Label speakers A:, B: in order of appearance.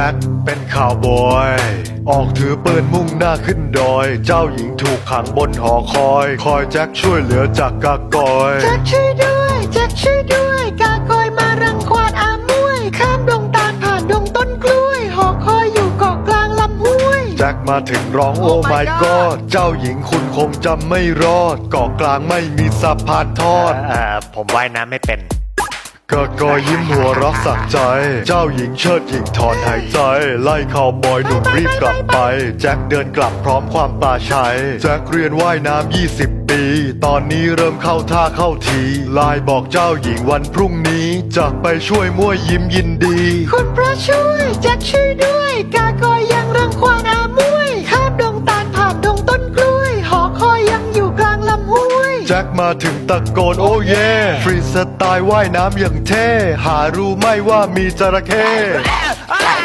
A: จ็คเป็นข่าวบอยออกถือปืนมุ่งหน้าขึ้นดอยเจ้าหญิงถูกขังบนหอคอยแจ็คช่วยเหลือจากกากอย
B: แจ็คช่วยด้วยแจ็คช่วยด้วยกากอยมารังควานอามวยข้ามดงตาลผ่านดงต้นกล้วยหอคอยอยู่เกาะกลางลำห้วย
A: แจ็คมาถึงร้องโอ้ my god เจ้าหญิงคุณคงจำไม่รอดเกาะกลางไม่มีสะพานทอด
C: ผมว่ายน้ำไม่เป็น
A: กากอยยิ้มหัวเรักสักใจ เจ้าหญิงเชิดหญิงถอนหายใจ ไล่ข่าวบอยหนุ่มรีบกลับไป แจ็คเดินกลับพร้อมความปลาชัย แจ็คเรียนว่ายน้ำ20 ปี ตอนนี้เริ่มเข้าท่าเข้าทีไลน์บอกเจ้าหญิงวันพรุ่งนี้จะไปช่วยมั่วยิ้มยินดี
B: คุณพระช่วยแจ็คช่วยด้วยกากอยยังรังควานอามวยข้ามดงตาลผ่านดงต้นกล้วยหอคอยยังอยู่กลางลำห้วย
A: แจ็คมาถึงตะโกนโอ้เย่ฟรีสไตล์ว่ายน้ำอย่างเท่หารู้ไหม่ว่ามีจระเข้